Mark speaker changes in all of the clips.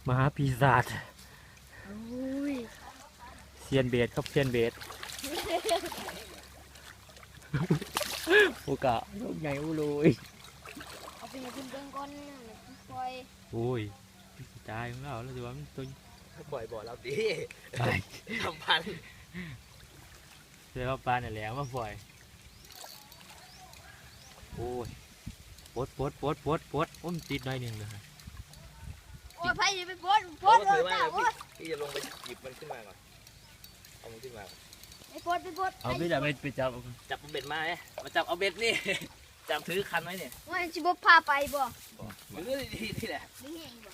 Speaker 1: มหาปีศาจ
Speaker 2: อุ้ย
Speaker 1: เซียนเบสครับเซียนเบสโอกาลูกใหญ่อุลุย
Speaker 2: เอาไปให้คุณเบิ่งก่อนปล่อย
Speaker 1: โอ้ยตายของเราแล้วจะว่ามันตัว
Speaker 3: ปล่อยบ่อเราดิ
Speaker 1: ตาย
Speaker 3: ทำพัน
Speaker 1: เสียว่าปลาเนี่ยแหลมมาปล่อยโอ้ยปดโอ้มนติดหน่อยหนึ่งเลย
Speaker 2: โอ้ยไผจะไปปลด
Speaker 3: เราก็
Speaker 2: เล
Speaker 3: ถื
Speaker 2: ย
Speaker 3: อว่า
Speaker 2: จ้าโอ้ย
Speaker 3: พี่จะลงไปหยิบมันขึ้นมาก่อนเอามันขึ้นมา
Speaker 2: ไปปลด
Speaker 1: เอาไม่ได้ไปจับ
Speaker 3: จับเบ็ดมาไหมมาจับเอาเบ็ดนี่ จับถือคันไว้เนี่ย
Speaker 2: ว่าสิบ่พาไปบ่
Speaker 3: มันก็ดีนี่แหละ
Speaker 2: นี่เองบ่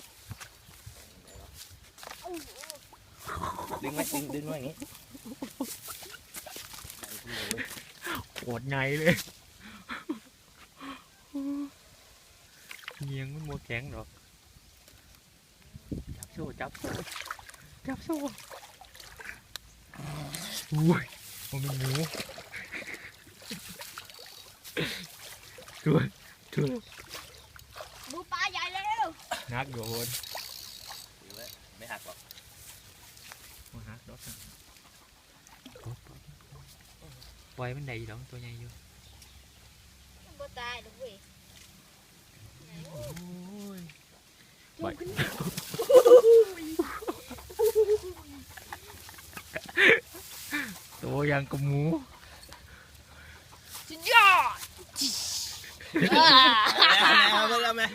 Speaker 3: ดึงไว้ดึงไว้อย่างนี้
Speaker 1: โคตรไงเลยเงียงมันโมแข็งหรอกจับโซ่อุ้ยมันเป็นหมูช่วย
Speaker 2: ดูปลาใหญ่แล้ว
Speaker 1: นักโดน
Speaker 3: ถือไว้ไม่หักหรอก
Speaker 1: มาหักดอกนะปล่อยมันได้ดอกตัวใหญ่อยู่
Speaker 2: บ่ตายดอกเว้ย
Speaker 1: โอ้ย
Speaker 2: จูงขึ้น
Speaker 1: ตัวยังกับหมู
Speaker 2: สุดยอด
Speaker 3: เอาไหม